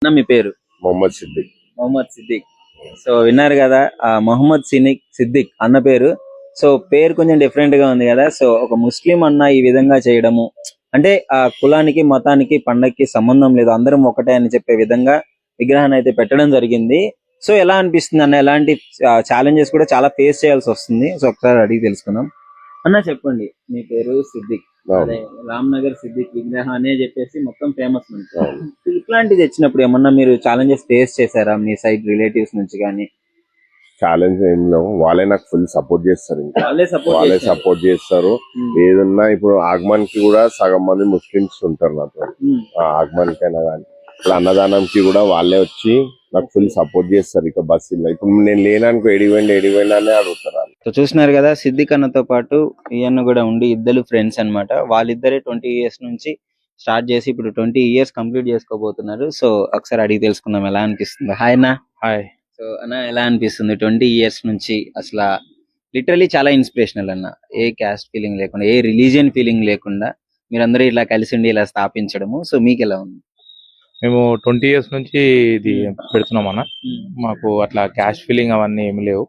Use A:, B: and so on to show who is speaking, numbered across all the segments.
A: మీ పేరు?
B: మొహమ్మద్ సిద్దిక్.
A: మొహమ్మద్ సిద్దిక్. సో విన్నారు కదా, మొహమ్మద్ సిద్దిక్ అన్న పేరు. సో పేరు కొంచెం డిఫరెంట్ గా ఉంది కదా. సో ఒక ముస్లిం అన్న ఈ విధంగా చేయడము అంటే ఆ కులానికి మతానికి పండక్కి సంబంధం లేదు, అందరం ఒకటే అని చెప్పే విధంగా విగ్రహాన్ని అయితే పెట్టడం జరిగింది. సో ఎలా అనిపిస్తుంది అన్న? ఎలాంటి ఛాలెంజెస్ కూడా చాలా ఫేస్ చేయాల్సి వస్తుంది. సో ఒకసారి అడిగి తెలుసుకుందాం. అన్న చెప్పండి, మీ పేరు సిద్దిక్, అదే రామ్నగర్ సిద్దిక్ విగ్రహం అనే చెప్పేసి మొత్తం ఫేమస్. ఇట్లాంటిది వచ్చినప్పుడు ఏమన్నా మీరు ఛాలెంజెస్ ఫేస్ చేశారా మీ సైడ్ రిలేటివ్స్ నుంచి కానీ?
B: ఛాలెంజ్ ఏం లేవు, వాళ్ళే నాకు ఫుల్ సపోర్ట్ చేస్తారు. ఇంకా వాళ్ళే సపోర్ట్ చేస్తారు. ఏదన్నా ఇప్పుడు ఆగమన్ కి కూడా సగం మంది ముస్లిమ్స్ ఉంటారు నాతో. ఆగమన్ కైనా కానీ ఇప్పుడు అన్నదానంకి కూడా వాళ్ళే వచ్చి నాకు ఫుల్ సపోర్ట్ చేస్తారు. ఇక బస్సులో ఇప్పుడు నేను లేనానుకో ఎడిపోయినా అని అడుగుతారు.
A: సో చూస్తున్నారు కదా, సిద్దిక్ అన్నతో పాటు ఈయన కూడా ఉండి ఇద్దరు ఫ్రెండ్స్ అన్నమాట. వాళ్ళిద్దరే 20 years నుంచి స్టార్ట్ చేసి ఇప్పుడు 20 years కంప్లీట్ చేసుకోబోతున్నారు. సో ఒకసారి అడిగి తెలుసుకుందాం ఎలా అనిపిస్తుంది. హాయ్ అన్న.
C: హాయ్.
A: సో అన్న ఎలా అనిపిస్తుంది 20 years నుంచి? అసలు లిటరలీ చాలా ఇన్స్పిరేషనల్ అన్న. ఏ క్యాస్ట్ ఫీలింగ్ లేకుండా, ఏ రిలీజియన్ ఫీలింగ్ లేకుండా మీరందరూ ఇలా కలిసి ఉండి ఇలా స్థాపించడము. సో మీకు ఎలా ఉంది?
C: మేము 20 years నుంచి ఇది పెడుతున్నాం అన్న. మాకు అట్లా క్యాస్ట్ ఫీలింగ్ అవన్నీ ఏమి లేవు.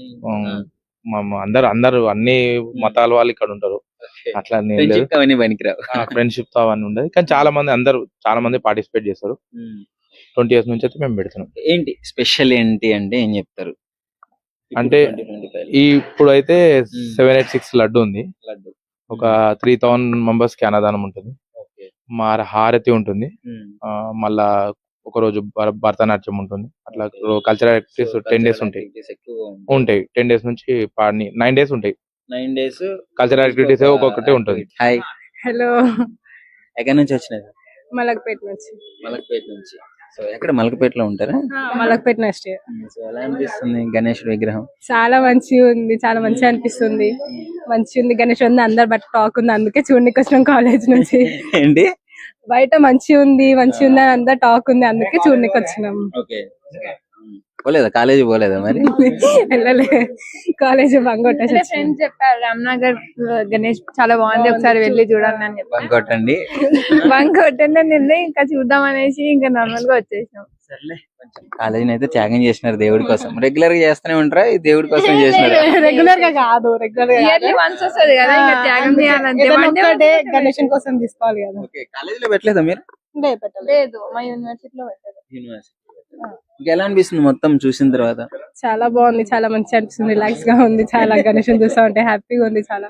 C: అందరు అన్ని మతాల వాళ్ళు ఇక్కడ ఉంటారు. అట్లా ఫ్రెండ్షిప్ తో అవన్నీ ఉండదు. కానీ చాలా మంది పార్టిసిపేట్ చేస్తారు. 20 years నుంచి అయితే మేము పెడుతున్నాం.
A: ఏంటి స్పెషల్ ఏంటి అంటే ఏం చెప్తారు?
C: అంటే ఇప్పుడు అయితే 786 లడ్డు ఉంది. ఒక 3000 members కి అన్నదానం ఉంటుంది. మా హారతి ఉంటుంది. మళ్ళా ఒక రోజు భరతనాట్యం ఉంటుంది. అట్లా కల్చరల్ యాక్టివిటీస్ 10 days ఉంటాయి. 10 days నుంచి 9 days ఉంటాయి.
A: 9 days
C: కల్చరల్ యాక్టివిటీస్ ఒక్కొక్కటి ఉంటుంది.
A: హాయ్.
D: హలో.
A: ఎక్కడి నుంచి వచ్చినారు?
D: మలక్పేట నుంచి.
A: మలక్పేట నుంచి. సో ఎక్కడ మలక్పేటలో ఉంటారా?
D: మలక్పేట నెక్స్ట్.
A: సో ఎలా అనిపిస్తుంది గణేష్ విగ్రహం?
D: చాలా మంచిగా ఉంది, చాలా మంచిగా అనిపిస్తుంది. మంచిగా ఉంది గణేష్ ఉంది, అందరు బట్ టాక్ ఉంది, అందుకే చూడడానికి వచ్చినాం కాలేజ్ నుంచి.
A: ఏంటి
D: బయట మంచిగా ఉంది అని అందరు టాక్ ఉంది, అందుకే చూడడానికి వచ్చినాం.
A: పోలేదా కాలేజీ? పోలేదా మరి?
D: వెళ్ళలే, కాలేజ్ బంగొట్టేసి.
E: ఫ్రెండ్స్ చెప్పారు రామ్నగర్ గణేష్ చాలా బాగుంది, ఒకసారి వెళ్ళి చూడాలని అని చెప్పి
A: బంగొట్టండి
E: బంగొట్టండి ఇంకా చూద్దాం అనేసి ఇంకా నార్మల్ గా వచ్చేసినాం.
A: కాలేజీని అయితే త్యాగం చేసినారు దేవుడి కోసం. రెగ్యులర్ గా చేస్తూనే ఉంటారా? ఈ దేవుడి కోసం చేసినారు?
D: రెగ్యులర్ గా కాదు, రెగ్యులర్
E: వన్స్ వస్తుంది కదా, ఇంకా త్యాగం చేయాలంటే
D: గణేషన్ కోసం తీసుకోవాలి కదా.
A: కాలేజీలో పెట్టలేదా మీరు?
E: లేదు, మా యూనివర్సిటీలో పెట్టారు.
A: యూనివర్సిటీ. ఎలా అనిపిస్తుంది మొత్తం చూసిన తర్వాత?
D: చాలా బాగుంది, చాలా మంచిగా అనిపిస్తుంది, రిలాక్స్ గా ఉంది. చాలా గణేషన్ చూస్తా ఉంటే హ్యాపీగా ఉంది. చాలా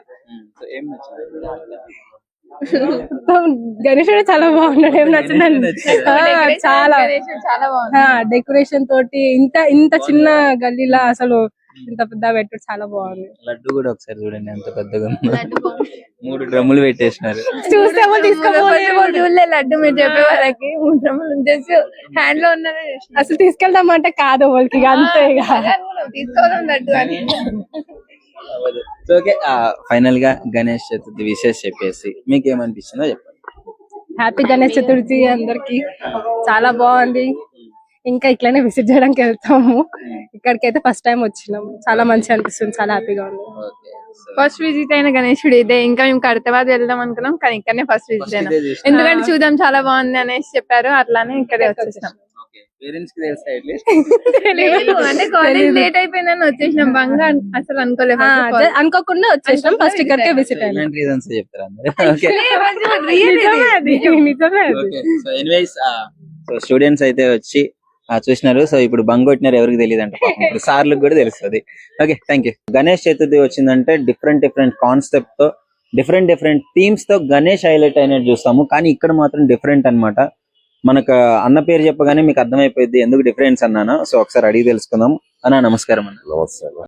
D: గణేశుడు చాలా బాగున్నాడు. ఏం నచ్చిందండి? చాలా డెకరేషన్ తోటి ఇంత చిన్న గల్లీలా అసలు ఇంత పెద్ద పెట్టు చాలా బాగుంది.
A: లడ్డు కూడా ఒకసారి చూడండి ఎంత పెద్దగా ఉంది. 3 డ్రమ్ములు పెట్టేసినారు.
E: చూస్తే చూడలే లడ్డు మీరు చెప్పే వాళ్ళకి 3 డ్రమ్ములు చేసి హ్యాండ్ లో ఉన్నది.
D: అసలు తీసుకెళ్దామంటే కాదు వాళ్ళకి, అంతే
E: తీసుకోవడం లడ్డు అని.
A: ఓకే, ఫైనల్ గా గణేష్ చతుర్థి విశేష చెప్పేసి మీకు ఏమనిపిస్తుందో చెప్పండి.
D: హ్యాపీ గణేష్ చతుర్థి అందరికి. చాలా బాగుంది, ఇంకా ఇట్లానే విజిట్ చేయడానికి వెళ్తాము. ఇక్కడికైతే ఫస్ట్ టైం వచ్చినాం, చాలా మంచిగా అనిపిస్తుంది, చాలా హ్యాపీగా ఉంది.
E: ఫస్ట్ విజిట్ అయిన గణేశుడు ఇదే. ఇంకా మేము కడతాబాద్ వెళ్దాం అనుకున్నాం, కానీ ఇక్కడనే ఫస్ట్ విజిట్ అయినాం. ఎందుకంటే చూద్దాం చాలా బాగుంది అనేసి చెప్పారు, అట్లానే ఇక్కడే వచ్చేసినాం. అంటే కాలేజ్ లేట్ అయిపోయిందని వచ్చేసినాం. బంగా అసలు అనుకోలేదు,
D: అనుకోకుండా వచ్చేసినాం. ఫస్ట్ ఇక్కడికే విజిట్ అయినాం.
A: స్టూడెంట్స్ అయితే వచ్చి చూసినారు. సో ఇప్పుడు బంగొట్టినారు, ఎవరికి తెలియదు అంట, ఇప్పుడు సార్లకు కూడా తెలుస్తుంది. Okay, thank you. Ganesh Chaturthi వచ్చిందంటే డిఫరెంట్ కాన్సెప్ట్ తో, డిఫరెంట్ థీమ్స్ తో గణేష్ హైలైట్ అయినట్టు చూస్తాము. కానీ ఇక్కడ మాత్రం డిఫరెంట్ అన్నమాట. మనకు అన్న పేరు చెప్పగానే మీకు అర్థమైపోయింది ఎందుకు డిఫరెన్స్ అన్నాను. సో ఒకసారి అడిగి తెలుసుకుందాం. అన్న నమస్కారం. అన్న
B: నమస్తే.